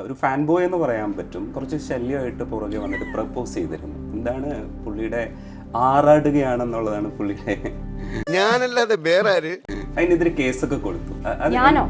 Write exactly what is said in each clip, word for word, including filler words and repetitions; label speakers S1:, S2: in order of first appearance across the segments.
S1: ഒരു fan boy എന്ന് പറയാൻ പറ്റും. കുറച്ച് ശല്യമായിട്ട് പുറകെ വന്നിട്ട് പ്രപ്പോസ് ചെയ്തിരുന്നു. എന്താണ് പുള്ളിയുടെ ആറാടുകയാണെന്നുള്ളതാണ് പുള്ളിയുടെ.
S2: ഞാനല്ലാതെ വേറെ ആര്
S1: അതിനെതിരെ കേസൊക്കെ കൊടുത്തു.
S3: ഞാനോ?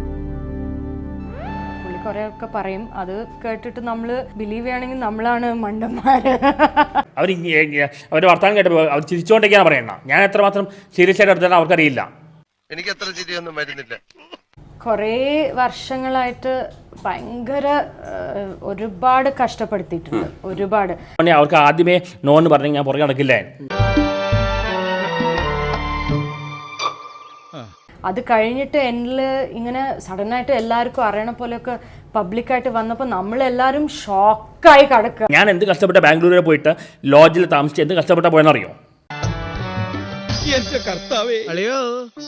S3: പുള്ളി കുറെയൊക്കെ പറയും, അത് കേട്ടിട്ട് നമ്മള് ബിലീവ് ചെയ്യണമെങ്കിൽ നമ്മളാണ് മണ്ടന്മാര്.
S4: അവർ അവരുടെ വർത്തമാനം കേട്ടപ്പോൾ അവർ ചിരിച്ചുകൊണ്ടൊക്കെയാണ് പറയണ. ഞാൻ എത്രമാത്രം സീരിയസ് ആയിട്ട് എടുത്താൽ അവർക്കറിയില്ല.
S2: എനിക്ക് അത്ര ചിരിയൊന്നും വരുന്നില്ല.
S3: കുറേ വർഷങ്ങളായിട്ട് ഭയങ്കര ഒരുപാട് കഷ്ടപ്പെടുത്തിയിട്ടുണ്ട്, ഒരുപാട്.
S4: അവർക്ക് ആദ്യമേ നോന്ന് പറഞ്ഞെങ്കിൽ ഞാൻ പുറകെ നടക്കില്ലേ.
S3: അത് കഴിഞ്ഞിട്ട് എന്നിൽ ഇങ്ങനെ സഡനായിട്ട് എല്ലാവർക്കും അറിയണ പോലെയൊക്കെ പബ്ലിക്കായിട്ട് വന്നപ്പോൾ നമ്മളെല്ലാവരും ഷോക്കായി കിടക്കുക.
S4: ഞാൻ എന്ത് കഷ്ടപ്പെട്ട ബാംഗ്ലൂരിൽ പോയിട്ട് ലോഡ്ജിൽ താമസിച്ച് എന്ത് കഷ്ടപ്പെട്ട പോയെന്നറിയോ?
S5: അളിയോ,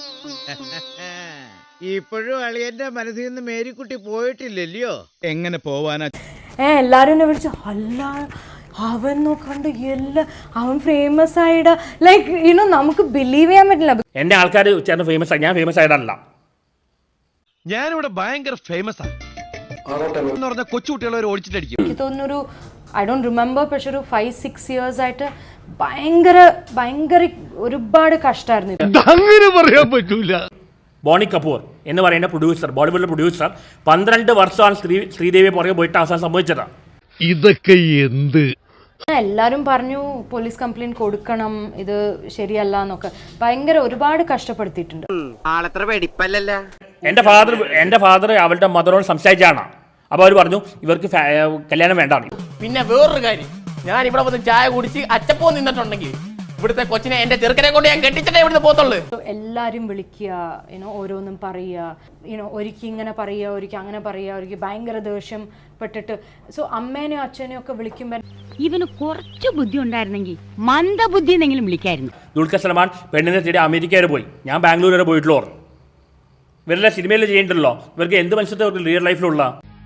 S5: ഇപ്പോഴും അളിയന്റെ മനസ്സിൽ നിന്ന് മേരിക്കുട്ടി പോയിട്ടില്ലല്ലോ. എങ്ങനെ പോവാനാ?
S3: ഏ എല്ലാരും എന്നെ വിളിച്ചു, അല്ല അവൻ നോക്കണ്ട് എല്ലാം അവൻ ഫേമസ് ആയിടാ. ലൈക്ക് യുനോ നമുക്ക് ബിലീവ് ചെയ്യാൻ പറ്റില്ല.
S4: എന്റെ ആൾക്കാർ ചേർന്ന് ഫേമസ് ആയി, ഞാൻ ഫേമസ് ആയിട്ടല്ല.
S6: ഞാനിവിടെ ഭയങ്കര ഫേമസ് ആണ്. കൊച്ചുകുട്ടികളെ ഓടിച്ചിട്ടടിക്കും.
S3: എനിക്ക് തോന്നുന്നൊരു ഐ ഡോണ്ട് റിമെമ്പർ, പക്ഷെ ഒരു ഫൈവ് സിക്സ് ഇയേഴ്സ് ആയിട്ട് ഭയങ്കര ഭയങ്കര ഒരുപാട് കഷ്ടമായിരുന്നു.
S6: അങ്ങനെ പറയാൻ പറ്റൂല.
S4: ബോണി കപൂർ എന്ന് പറയുന്ന പ്രൊഡ്യൂസർ, ബോളിവുഡിലെ പ്രൊഡ്യൂസർ, പന്ത്രണ്ട് വർഷമാണ് ശ്രീ ശ്രീദേവി പുറകെ പോയിട്ട് അവസാനം സംഭവിച്ചതാണ്.
S6: ഇതൊക്കെ എന്ത്?
S3: എല്ലാരും പറഞ്ഞു പോലീസ് കംപ്ലൈന്റ് കൊടുക്കണം, ഇത് ശരിയല്ല എന്നൊക്കെ ഭയങ്കര ഒരുപാട് കഷ്ടപ്പെടുത്തിയിട്ടുണ്ട്.
S4: എന്റെ ഫാദർ എന്റെ ഫാദർ അവളുടെ മദറോട് സംസാരിച്ചാണ്. അപ്പോൾ അവർ പറഞ്ഞു ഇവർക്ക് കല്യാണം വേണ്ടാണ്.
S7: പിന്നെ വേറൊരു കാര്യം, ഞാൻ ഇവിടെ വന്ന് ചായ കുടിച്ച് അച്ചപ്പോ നിന്നിട്ടുണ്ടെങ്കിൽ ഇവിടുത്തെ കൊച്ചിനെ എന്റെ ചെറുക്കനെ കൊണ്ട് ഞാൻ കെട്ടിച്ചിട്ടേ ഇവിടുന്ന് പോത്തുള്ളൂ.
S3: എല്ലാരും വിളിക്കുക, യുനോ ഓരോന്നും പറയുക, യുനോ ഒരിക്കൽ ഇങ്ങനെ പറയുക, ഒരിക്കൽ അങ്ങനെ പറയുക, ഒരിക്കൽ ഭയങ്കര ദേഷ്യം പെട്ടിട്ട്. സോ അമ്മേനെയോ അച്ഛനെയോ ഒക്കെ വിളിക്കുമ്പോൾ
S8: ഇവന് കുറച്ച് ബുദ്ധി ഉണ്ടായിരുന്നെങ്കിൽ മന്ദബുദ്ധി എന്നെങ്കിലും വിളിക്കായിരുന്നു.
S4: ദുൽഖർ സൽമാൻ പെണ്ണിനെ തേടി അമേരിക്ക വരെ പോയി, ഞാൻ ബാംഗ്ലൂർ വരെ പോയിട്ടുള്ളൂ. ഇവരെല്ലാം സിനിമയിൽ ചെയ്യണ്ടല്ലോ, ഇവർക്ക് എന്ത് മനുഷ്യത്തെ റിയൽ ലൈഫിലുള്ള.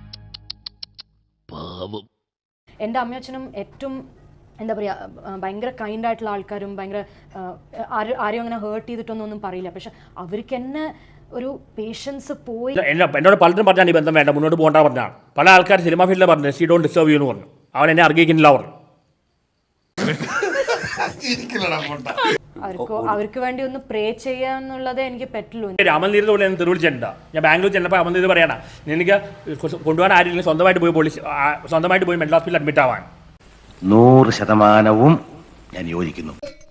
S3: എൻ്റെ അമ്മയച്ഛനും ഏറ്റവും എന്താ പറയുക ഭയങ്കര കൈൻഡ് ആയിട്ടുള്ള ആൾക്കാരും ഭയങ്കര ആരും ആരെയും അങ്ങനെ ഹേർട്ട് ചെയ്തിട്ടൊന്നും ഒന്നും പറയില്ല. പക്ഷെ അവർക്ക് തന്നെ ഒരു പേഷ്യൻസ് പോയി.
S4: എന്നോട് പലരും പറഞ്ഞാൽ ഈ ബന്ധം വേണ്ട, മുന്നോട്ട് പോകേണ്ട പറഞ്ഞാണ്. പല ആൾക്കാർ സിനിമ ഫീൽഡിൽ പറഞ്ഞു ഷീ ഡോണ്ട് ഡിസ്റ്റർബ് യു എന്ന് പറഞ്ഞു. അവൻ എന്നെ അർഹിക്കുന്നില്ല പറഞ്ഞു.
S3: അവർക്ക് അവർക്ക് വേണ്ടി ഒന്ന് പ്രേ ചെയ്യാന്നുള്ളതേ എനിക്ക് പറ്റുള്ളൂ.
S4: അമൽനീരിന്റെ പോലെ ഞാൻ തെരുവിളിച്ചിട്ടുണ്ടാ. ഞാൻ ബാംഗ്ലൂർ ചെന്നപ്പോൾ അമൽനീര് പറയണം, നിനക്ക് കൊണ്ടുപോകാൻ ആരും സ്വന്തമായിട്ട് പോയി പോലീസ് സ്വന്തമായിട്ട് പോയി മെന്റൽ ഹോസ്പിറ്റലിൽ അഡ്മിറ്റ് ആവാൻ.
S9: നൂറ് ശതമാനവും ഞാൻ യോജിക്കുന്നു.